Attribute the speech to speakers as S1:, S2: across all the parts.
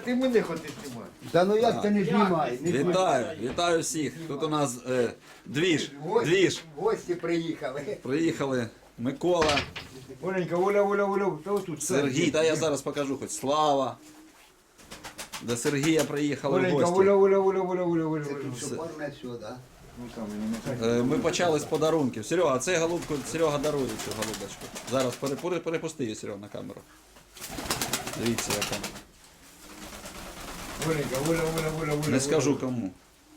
S1: ти мене хочеш знімати.
S2: Та ну як ти не знімай?
S3: Вітаю всіх. Тут у нас двіж.
S2: Гості приїхали.
S3: Приїхали Микола,
S1: Оленька, Оля, та отут.
S3: Сергій, та я зараз покажу хоч Слава. До Сергія приїхали в
S1: Оленька,
S3: гості.
S1: Оля.
S2: Що парне сюди, да?
S1: Ну там, мені
S3: Ми почали з подарунків. Серега, це голубку, Серега дарує цю голубочку. Зараз перепусти її, Серега, на камеру. Дивіться, яка.
S1: Оленька, Оля.
S3: Не скажу кому.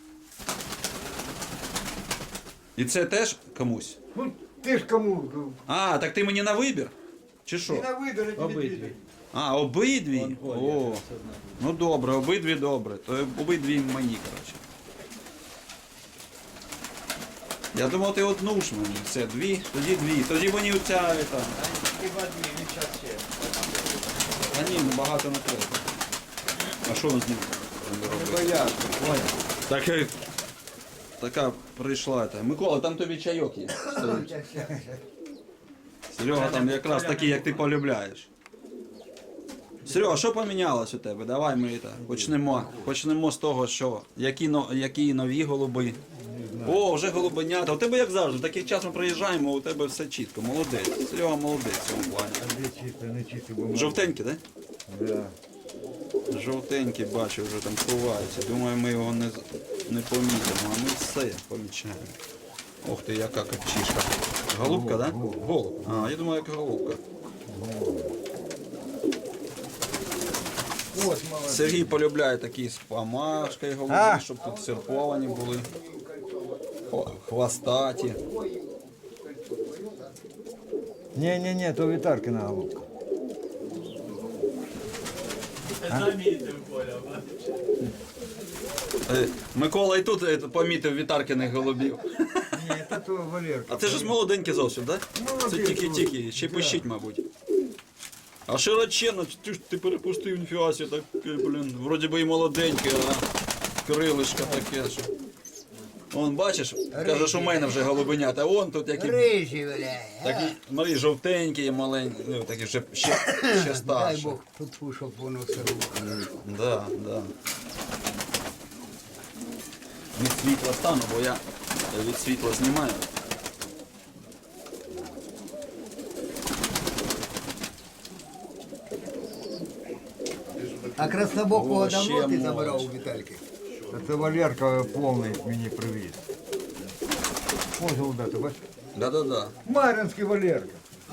S3: І це теж комусь?
S1: Ну, ти ж кому?
S3: А, так ти мені на вибір? Чи
S1: Ти
S3: що?
S1: на видали тобі.
S3: А, обидві? О, ну добре, обидві добре. То обидві мені, коротше. Я думав, ти одну ж мені. Це дві, тоді мені оця, там.
S1: Хіба дві, він час ще.
S3: А ні, ну багато не треба. А що з ним?
S1: Бояться.
S3: Так, така прийшла. Микола, там тобі чайок є. Стоїть. Серега там якраз такий, як ти полюбляєш. Серега, що помінялось у тебе? Давай ми почнемо з того, що які нові голуби. О, вже голубенята. У тебе як завжди, в такий час ми приїжджаємо, у тебе все чітко. Молодець. Серега молодець в цьому плані.
S1: Не чисто, бо
S3: Жовтенький, так?
S1: да.
S3: Жовтенький, бачу, вже там ховається. Думаю, ми його не помітимо, а ми все помічаємо. Ох ти, яка копчишка. Голубка, так? Голуб. А, я думаю, як голубка.
S1: Ось, молодець.
S3: Сергій полюбляє такі з помашкою голуби, щоб тут серповані були. Хвостаті.
S1: Ні, то Вітаркина голубка.
S3: Микола і тут помітив Вітаркиних голубів.
S1: Ні, це то Валерка.
S3: А це ж молоденький зовсім, так? Це тільки-тільки, ще пищить, мабуть. А широченно, ти перепустив, ніфіга себе, так, блін, вроді би і молоденький, а крилишко таке, що. Вон, бачиш, каже, що в мене вже голубенята, а вон тут які.
S2: Рижі, бля.
S3: Такі, смотри, жовтенькі, маленькі, ну, такі вже ще
S2: Дай
S3: старші.
S2: Бог, тут щоб воно все рухало.
S3: Да. Від світла стану, бо я від світла знімаю.
S2: А краснобокого
S3: О, ще
S2: давно ти
S3: можна.
S2: забирав у Вітальки?
S1: Це Валерка повний мені привіз. Ось голубята, бачиш?
S3: Да.
S1: Мар'їнський Валерка.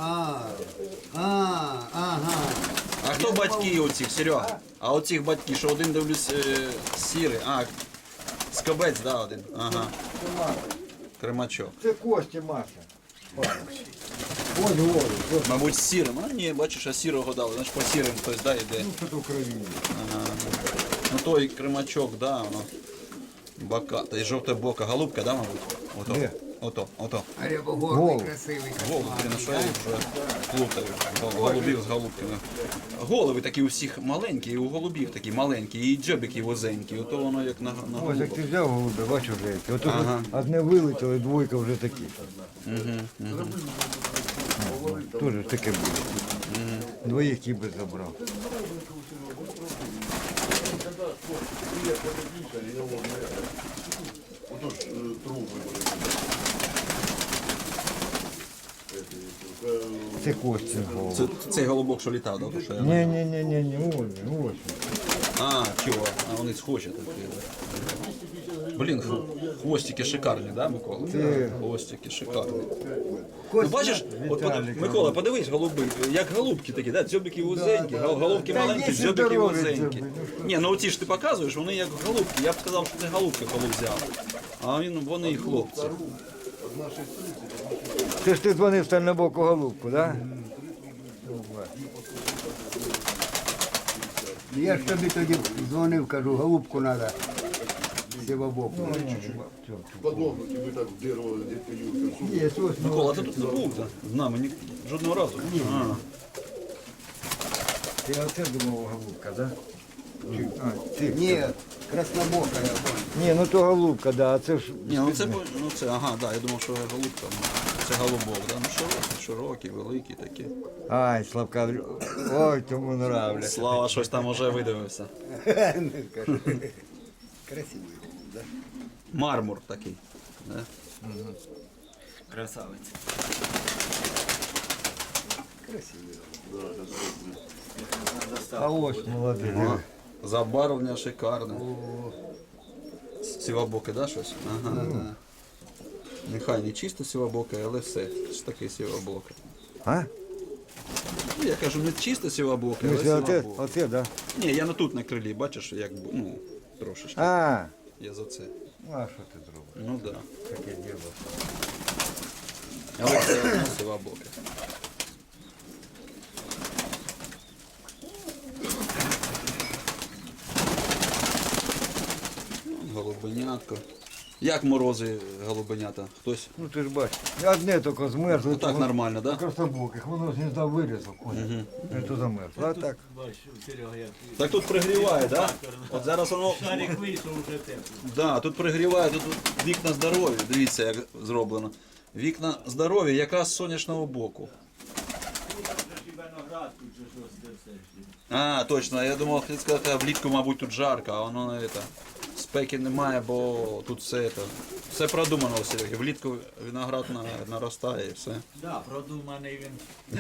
S2: Ага.
S3: А хто батьки оцих, Серега? А оцих батьки, що один дивлюсь сірий, скобець, да, один. Ага,
S1: Це Маша.
S3: кремачок.
S1: Це Костя Маша. Ось голуб. Ось.
S3: Мабуть, з сірим. А ні, бачиш, а сірого дали. Значить по сірим хтось, да, йде.
S1: Ну, це то Україні.
S3: Ага. Ну той кремачок, да, воно. Бока. Та й жовта бока. Голубка, да, мабуть?
S1: Де?
S3: Ото.
S2: А рябогорний
S1: Голуб.
S2: красивий.
S3: Голуби, ти на що я вже плутаю. Голубів з голубками. Голови такі у всіх маленькі, і у голубів такі маленькі, і дзьобики возенькі. Ото воно як на
S1: Ось
S3: голубах.
S1: як ти взяв голубя, бачиш вже які. Ото
S3: Ага.
S1: одне вилетіло, і двойка вже такі. Тоже ж таке буде. Двоїх кіби забрав. Це Костя голуб.
S3: Це цей голубок, що літав, да? То, що я...
S1: Ні, ось.
S3: А, чого? А вони схожі такі. Да? Блін, хвостики шикарні, да, Микола? Хвостики шикарні. Ну бачиш, от, Микола, подивись, голуби, як голубки такі, да? Дзьобики вузенькі, головки
S1: Та
S3: маленькі,
S1: є
S3: дзьобики
S1: здорові
S3: вузенькі.
S1: дзьоби,
S3: Ні, ну оці ж ти показуєш, вони як голубки. Я б сказав, що це голубки коли взяв. А вони і хлопці.
S1: Це ж ти дзвонив стальнобоку голубку, так?
S2: Я ж тобі тоді дзвонив, кажу, голубку треба. Сівобоку.
S4: Подобники, ви так дерево дітей.
S1: Є, ось.
S3: Микола, ти тут не був з нами жодного разу? А.
S1: Ти оце думав голубка, так?
S2: Ні, краснобока я понял.
S1: Ні, ну то голубка, да, а це ж.
S3: Ні, ну це, ага, да, я думав, що голубка. Це голубок, да? Ну широкий, великий такий.
S1: Ай, Славка, ой, тому нравляться.
S3: Слава щось там уже видивився.
S2: Не скажу. Красивий, да?
S3: Мармур такий. Да?
S5: Красавець.
S2: Красивий.
S1: А ось молодий.
S3: Ага. Забарвлення шикарне. Сівабоке, да, щось? Ага, да. Нехай не чисто сівабоке, але все ж таки сівабоке.
S1: А?
S3: Ну, я кажу, не чисто сівабоке, але
S1: Мислю, оце,
S3: сівабоке.
S1: оце, да?
S3: Ні, я не тут на крилі, бачиш, як ну, трошечки.
S1: А,
S3: Я за це.
S1: ну а що ти зробиш?
S3: Ну так. Да.
S1: Таке діло.
S3: Але це одно сівабоке. Голубенятко. Як морози голубенята? Хтось?
S1: Ну ти ж бачиш, одне тільки змерзло.
S3: Ну так нормально, так? Да?
S1: Красобоких, воно з гнізда вирізав, понял? Це замерзло. А так,
S5: Бачиш, Серега, як
S3: Так тут пригріває, так? Да? От зараз воно.
S5: шарик вийшов вже тепло.
S3: Да, тут пригріває, тут вікна здорові. Дивіться, як зроблено. Вікна здорові, якраз з сонячного боку.
S5: Виноград тут же щось це все.
S3: А, точно, я думав, хотів сказати, а влітку, мабуть, тут жарко, а воно не це. Спеки немає, бо тут все продумано у Сереги. Влітку виноград наростає і все.
S5: Да, продуманий він.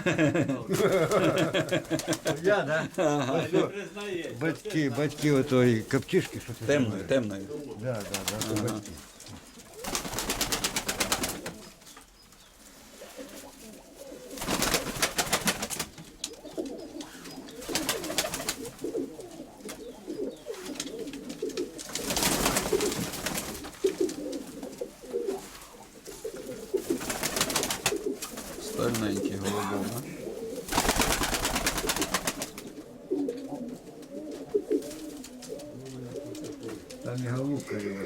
S1: я, да?
S5: Не признає.
S1: Батьки отої каптішки, що це?
S3: Темною, темною.
S1: Да, це батьки.
S3: Стальненький голубок, да?
S1: Там і голубка є.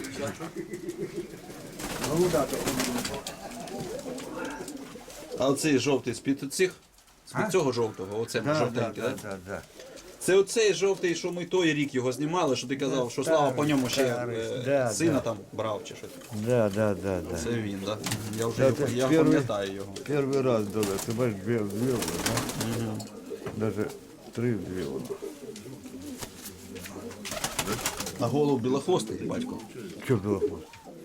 S3: А оцей жовтий з-під цих? З-під цього жовтого, оце жовтенький, так?
S1: Да.
S3: Це оцей жовтий, що ми той рік його знімали, що ти казав, що Слава по ньому ще
S1: да,
S3: сина
S1: да.
S3: там брав чи щось.
S1: Да.
S3: Це він, так? Я вже
S1: Да, це
S3: я
S1: перший-
S3: пам'ятаю його.
S1: Перший раз дали, ти бачиш, дві, да? Даже три дві.
S3: А голуб білохвостий, батько.
S1: Що було хвост?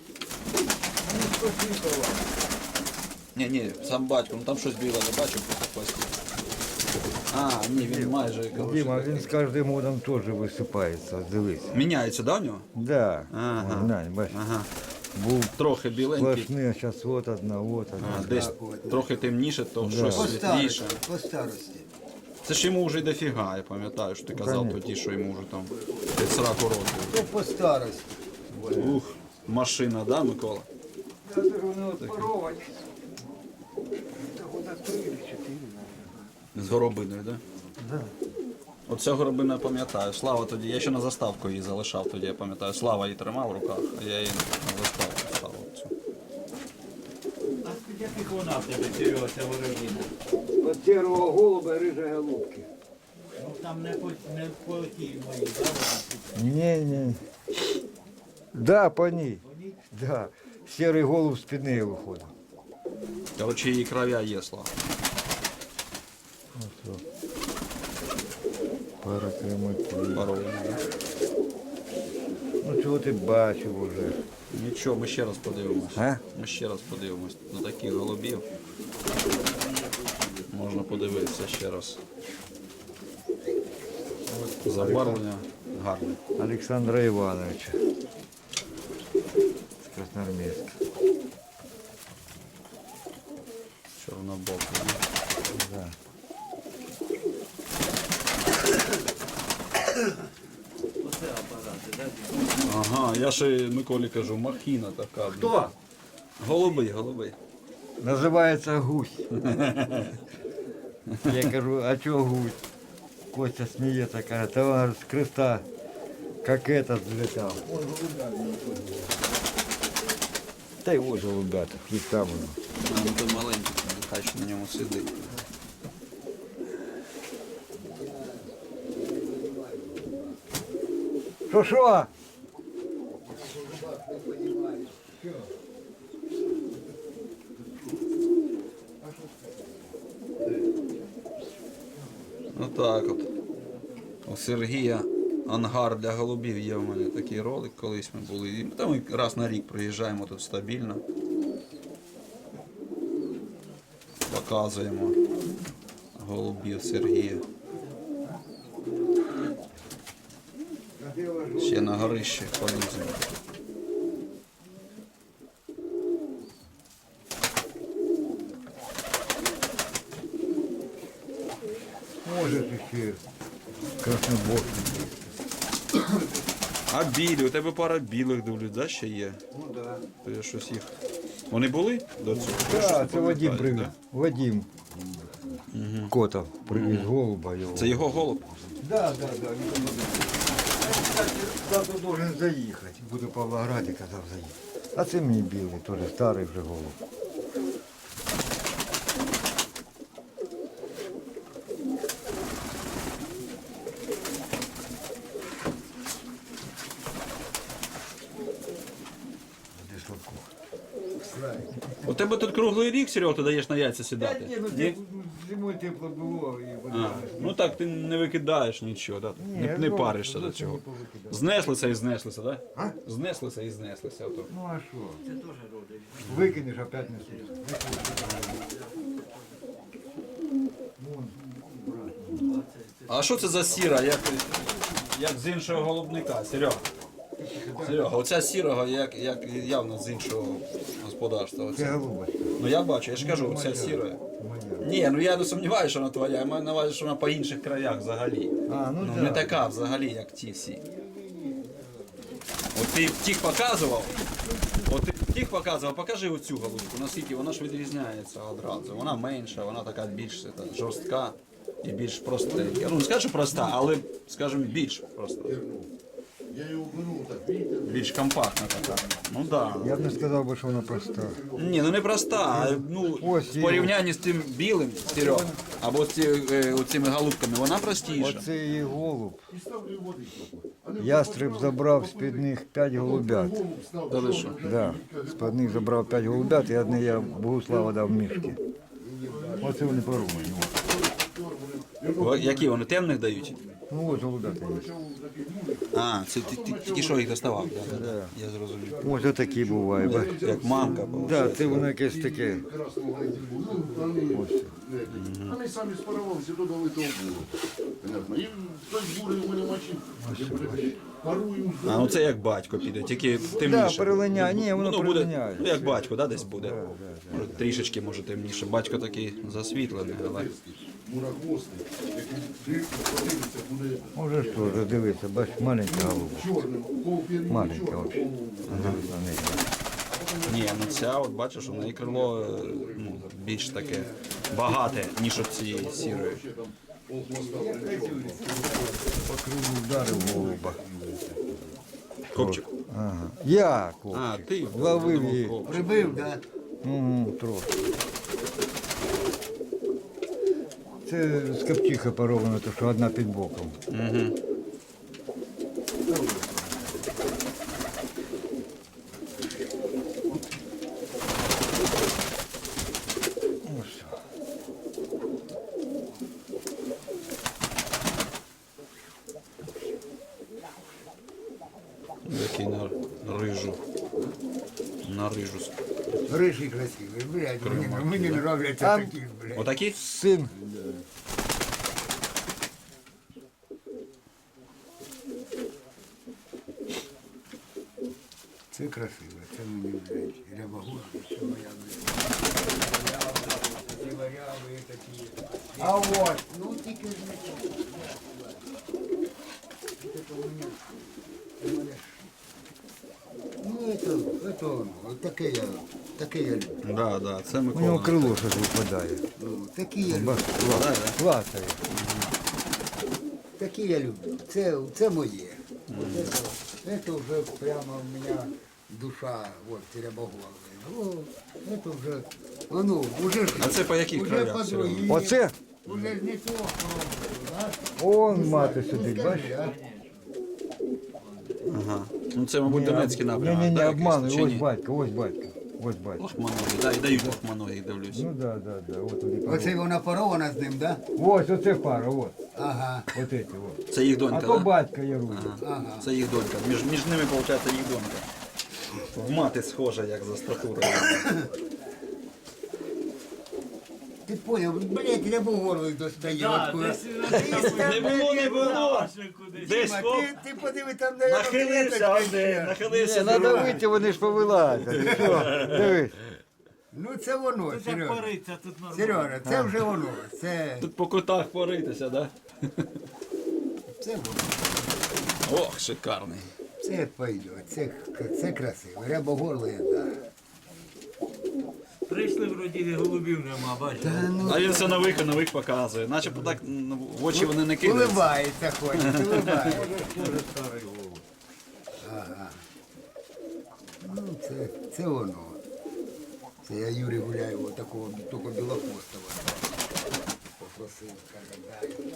S3: Ні, сам батько, ну там щось біле не бачив по хвості. А, ні, він майже коротше,
S1: Діма,
S3: такий.
S1: він з кожним годом теж висипається, дивись.
S3: Міняється, да, в нього?
S1: Да.
S3: Ага.
S1: Глянь, бачиш.
S3: Ага.
S1: Був
S3: Трохи біленький.
S1: сплошний, зараз от одна, от
S3: А,
S1: одна.
S3: десь трохи темніше, то щось
S2: По
S3: світліше.
S2: старості, по старості.
S3: Це ж йому вже й дофіга, я пам'ятаю, що ти казав
S1: Конечно.
S3: тоді, що йому вже там під 40 років.
S2: То по старості.
S3: Ух, машина, да, Микола? З горобиною, да?
S1: Да.
S3: Оця горобина я пам'ятаю. Слава тоді, я ще на заставку її залишав тоді, я пам'ятаю. Слава її тримав в руках, а я її на заставку ставив. Цю.
S5: А яких вона в тебе, Серега, ця ворогіна?
S1: От сірого голуба, рижа голубки.
S5: Ну там не по тій моїй, да, вона?
S1: Ні. Да, по ній. Да. Сірий голуб з-під неї виходить.
S3: Коротше, її кров'я є, Слава.
S1: Пара крематів.
S3: Парована, да?
S1: Ну чого ти бачив уже?
S3: Нічого, ми ще раз подивимось.
S1: А?
S3: Ми ще раз подивимось на таких голубів. Можна подивитися ще раз. Забарвлення гарне.
S1: Олександра Івановича. З Красноармійська.
S3: Чорнобокий.
S1: Да.
S5: Оце апарати, да?
S3: Ага, я ще Миколі кажу, махіна така.
S1: Хто?
S3: Голубий.
S1: Називається гусь. Я кажу, а чого гусь? Костя сміється, каже, та вона з креста, як этот злітав. Та й ось голубята, їх там воно.
S3: А, ну то маленький, нехай ще на ньому сидить.
S1: Що?
S3: Отак от. У Сергія ангар для голубів є в мене такий ролик, колись ми були. І там ми раз на рік приїжджаємо тут стабільно. Показуємо голубів Сергія. Ще на горище поліземо.
S1: Може ще красноборський.
S3: А білі, у тебе пара білих дивлюсь, да, ще є?
S2: Ну да.
S3: То я щось їх. Вони були до цього? Я щось не
S1: Так, це Вадим
S3: пам'ятаю,
S1: привіз.
S3: да?
S1: Вадим Котов привіз голуба його.
S3: Це його голуб?
S1: Да. Завтра должен заїхати. Буду в Павлограді, казав заїхати. А це мені білий, теж старий вже голуб. Де Славко?
S3: У тебе тут круглий рік, Серега, ти даєш на яйця
S1: Та
S3: сідати?
S1: ні, ну
S3: Ні?
S1: зимою тепло було і
S3: А,
S1: вода.
S3: ну так ти не викидаєш нічого, да? не
S1: ну,
S3: паришся до
S1: зовсім
S3: цього.
S1: не повикидав.
S3: Знеслися і знеслися, так?
S1: А?
S3: Да? Знеслися і знеслися. Ото.
S1: Ну а що? Викинеш, опять несеш.
S3: А що це за сіра, як з іншого голубника, Серега? Серега, оця сірого, як явно з іншого господарства.
S1: Це
S3: Оця.
S1: голубочка.
S3: Ну я бачу, я ж кажу, оця сіра. Ні, ну я не сумніваюся, що вона твоя, я маю на увазі, що вона по інших краях взагалі.
S1: А, ну,
S3: Ну
S1: так.
S3: не така взагалі, як ті всі. От ти тих показував, покажи оцю голубку, наскільки вона ж відрізняється одразу. Вона менша, вона така більш жорстка і більш простенька. Ну не скажу проста, але, скажімо, більш проста.
S4: Я его беру, так, видите?
S3: Більш компактна така. Ну так.
S1: Я б не сказав би, що вона проста.
S3: Ні, ну не проста, а ну,
S1: Ось
S3: в
S1: її.
S3: порівнянні з тим білим, Серега, або з цими голубками, вона простіша.
S1: Оце її голуб.
S4: И ставлю воды.
S1: Ястреб забрав з-під них 5 голубят.
S3: Та ви що?
S1: Да. З-під них забрав 5 голубят і одне я Богуслава дав мішки. Оце вони порумані.
S3: Які вони темних дають?
S1: Ну от голубята є.
S3: А, це ти тільки що їх доставав, да. Я зрозумів.
S1: Ось отакі бувають. бач.
S3: Як мамка була.
S1: Да, це воно якесь таке.
S4: Вони самі спарувалися, додали того було. Понятно. І хтось бурий у мене мочив. Парую.
S3: А, ну це як батько піде, тільки
S1: Да,
S3: темніше.
S1: перелиняє. Ні, воно
S3: буде,
S1: перелиняє.
S3: ну як батько, да, десь буде. Може, трішечки, може, темніше. Батько такий засвітлений, але...
S4: Мурахвостий, який дивиться, подивиться, буде
S1: Може що, вже дивися, бач, маленька голуба.
S4: чорним, полпір'ю
S1: Маленька
S4: чорним.
S1: взагалі. Дивись на неї.
S3: Ні, ну ця, от бачиш, у неї крило ну, більш таке багате, ніж от цієї сірої.
S1: По криву вдарив голуба.
S3: Копчик.
S1: Ага. Я,
S3: А,
S1: копчик.
S3: ти
S1: Ловив її.
S2: Прибив, да?
S1: Трохи. Це з копчиха поровано, то що одна під боком.
S3: Угу.
S1: Ну все.
S3: Який на рижу. На рижу.
S2: Рижий красивий, блядь, мені нравляться
S1: Там-
S2: такі, блядь.
S3: Отакі?
S1: Син.
S2: Це красиво, це мені, блядь, рябогур, це моя, блядь. Такі варяви, такі. А от, ну тільки ж не то. Це мені, у мене ж. Ну, це воно, таке я люблю.
S3: Да, да, це
S1: У нього
S3: Микола.
S1: крило щось випадає.
S2: Ну, такі я люблю.
S1: Бач, клацає.
S2: Такі я люблю. Це моє. Це вже прямо у мене душа, от, рябоголовий. Це вже, воно, вже ж.
S3: А це по яких
S2: уже
S3: краях,
S2: по
S3: Серега?
S2: другій.
S1: Оце?
S2: Уже ж не то пробую, а?
S1: Он мати сидить, бачиш?
S2: Скажи, а?
S3: Ага. Ну це, мабуть, Донецький напрямок.
S1: Ні,
S3: да,
S1: обмануй,
S3: якийсь, чи
S1: ось
S3: ні?
S1: батько, ось батько. Ось батько.
S3: Лохманові, да, і дають лохманові, дивлюсь.
S1: Ну да. От вони
S2: Оце вона порована з ним, да?
S1: Ось, оце пара, от.
S2: Ага,
S1: Вот эти вот.
S3: Це їх
S1: А
S3: донька,
S1: то
S3: да?
S1: батька Яруля.
S2: ага.
S3: Це їх донька. Між ними, виходить, їх донька. В мати схожа, як за статурою.
S2: Ти поняв, блядь, я був горло достає.
S5: Да,
S2: откуда.
S5: десь
S3: Не було, не було. Десь
S2: Дима,
S3: хоп,
S2: ти подиви там, де
S3: нахилився,
S2: клеточка.
S3: нахилився.
S1: Не, надо вийти, вони ж повилазять. Що? Дивись.
S2: Ну це воно,
S5: Тут як
S2: Сережа.
S5: пориться, тут нормально.
S2: Сережа, це вже воно. Це
S3: Тут по кутах поритися, да?
S2: воно.
S3: Ох, шикарний.
S2: Це пойде, це красиво. Рябогорлий, так.
S5: Прийшли вроді голубів нема, бачите.
S3: А він все нових показує. Начебто так в очі вони не кидаються.
S2: Улибається ходить, улибається. Ага. Ну, це воно. Це я Юрій Гуляєва, такого тільки білохвостого. Попросив, каже, дай.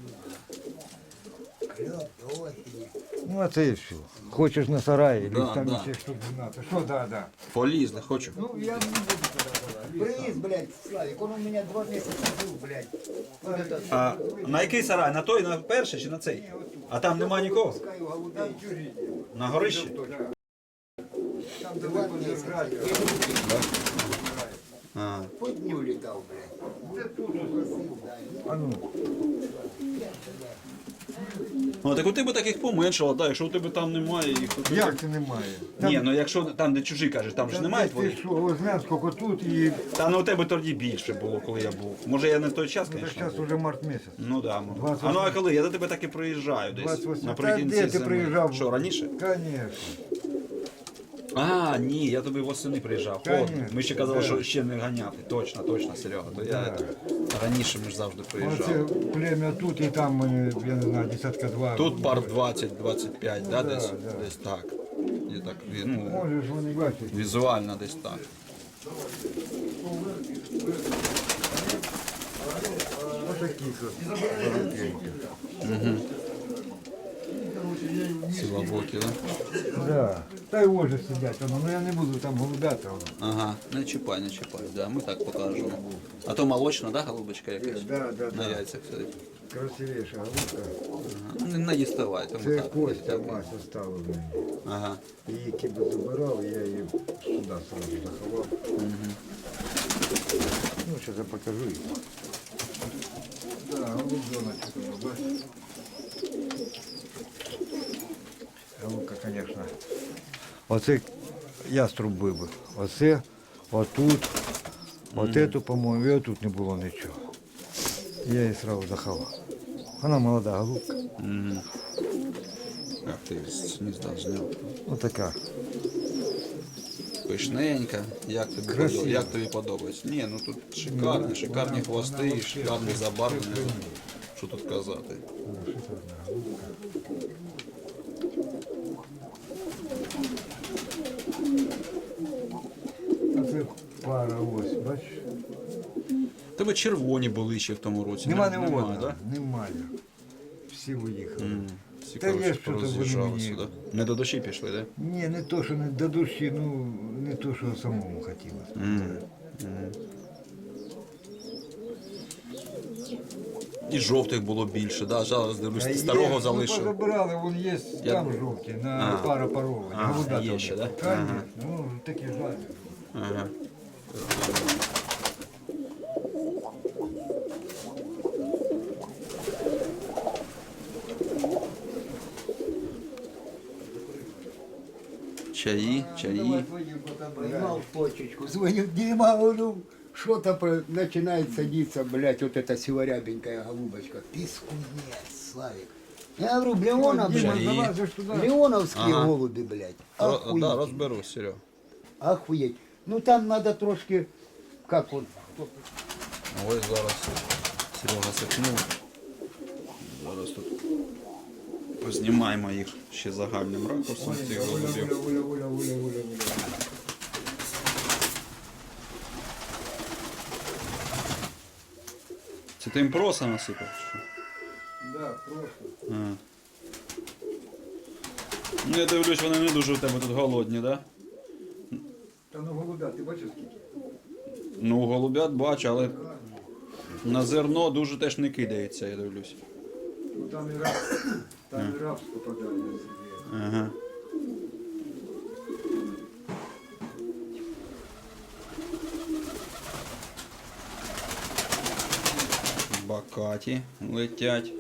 S2: Кльоп до осені.
S1: Ну, а це і все. Хочеш на сараї,
S3: Да,
S1: лізь там
S3: да.
S1: ще штук 12. Що, да.
S3: Полізли, хочу.
S2: Ну, я не буду. Приїзд, блядь, Славик, он у меня 2 месяца жил, блядь.
S3: А на який сарай? На той, на перший чи на цей? А там нема нікого?
S2: Пускаю голубей.
S3: На горищі?
S2: Там 2 месяца.
S3: А.
S2: По дню летал, блядь. Попросил, дай.
S1: А ну,
S3: Ну, так у тебе таких поменшало, так, якщо у тебе там немає їх. то ти-
S1: як це немає?
S3: Ні, ну якщо там, де чужі кажеш, там ж немає
S1: Ти
S3: твоїх.
S1: що, ось знаєш, скільки тут і
S3: Та ну у тебе тоді більше було, коли я був. Може я не в той час,
S1: так
S3: звісно.
S1: зараз
S3: був.
S1: уже март місяць.
S3: Ну да. ну.
S1: 28.
S3: А ну а коли? Я до тебе так і приїжджаю десь.
S1: 28.
S3: Наприкінці
S1: Та де ти
S3: зими.
S1: приїжджав?
S3: Що, раніше?
S1: Конечно.
S3: А, ні, я тобі восени приїжджав. Холодно.
S1: Конечно,
S3: Ми ще казали,
S1: да.
S3: що ще не ганяти. Точно, Серега. То я раніше ми ж завжди приїжджав.
S1: Оце плем'я тут і там, я не знаю, десятка два.
S3: Тут пар 20-25, да,
S1: да,
S3: десь?
S1: да.
S3: Десь так. І так, ну,
S1: Можеш вони бачити.
S3: візуально десь так.
S1: Отакі тут.
S3: Сілобокі, да?
S1: Да. Та й оже сидять, воно, ну я не буду там голубяти. воно.
S3: Ага, не чіпай, да, ми так покажемо. А то молочна, да, голубочка якась?
S1: Да,
S3: На яйцях сидить.
S1: Красивіша голубка.
S3: Ага. Ну, не діставай, тому
S1: Це
S3: так.
S1: Костя
S3: дякую.
S1: Мася стала в мене.
S3: Ага.
S1: Її киби забирав, і я її сюди сразу заховав. Ну, зараз я покажу її. Да, голубеночка тут, бачиш? Голубка, звісно. Оце яструб вибив. Оце, отут, от эту, по-моєму, і отут не було нічого. Я її сразу заховав. Вона молода голубка.
S3: Як ти з гнізда зняв?
S1: Отака.
S3: Пишненька.
S1: Красиво.
S3: Як тобі подобається? Ні, ну тут шикарні хвости і шикарні забарвлення. Що тут казати?
S1: А це пара ось, бачиш?
S3: Тебе червоні були ще в тому році.
S1: Нема
S3: Немає,
S1: одного,
S3: да?
S1: Немає. Всі уїхали.
S3: Всі,
S1: Та є
S3: коротше,
S1: що-то вони
S3: пороз'їжджалися,
S1: мені.
S3: да? Не до душі пішли, да?
S1: Ні, не то, що не до душі, ну не то, що самому хотілося.
S3: І жовтих було більше, да? Зараз дивлюсь,
S1: Та
S3: ти
S1: є,
S3: старого
S1: ну,
S3: залишив.
S1: позабирали, вон є
S3: Я-
S1: там жовті, на пара парова.
S3: А, є ще, да?
S1: Конечно, ну такі жаль.
S3: Ага. Чаї.
S2: Поймал почечку, звоню, Дима, говорю, что-то начинает садиться, блядь, вот эта сиворябенькая голубочка. Ты скунец, Славик. Я говорю, Леонов,
S1: Дима,
S2: блядь,
S1: залазиш туди.
S2: Леоновские
S3: Ага.
S2: голуби, блядь.
S3: Да,
S2: Охуеть.
S3: розберусь, Серега.
S2: Охуеть. Ну там надо трошки, как он,
S3: Ось зараз Серега сипнув. Зараз тут познімаємо їх ще загальним ракурсом цих голубів. Це ти їм проса насипав? чи що?
S1: Да, просто.
S3: А. Ну, я дивлюсь, вони не дуже у тебе тут голодні, так? Да?
S1: Та ну голубя, ти бачиш скільки?
S3: Ну, голубят бачу, але на зерно дуже теж не кидається, я дивлюсь.
S1: Ну, там і рапс попадає на себе.
S3: Ага. Бакаті летять.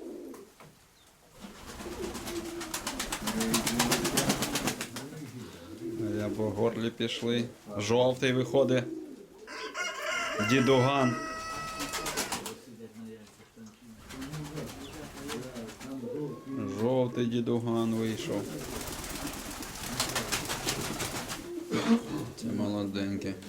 S3: Я по горлі пішли. Жовтий виходить. Дідуган. Жовтий дідуган вийшов. Це молоденький.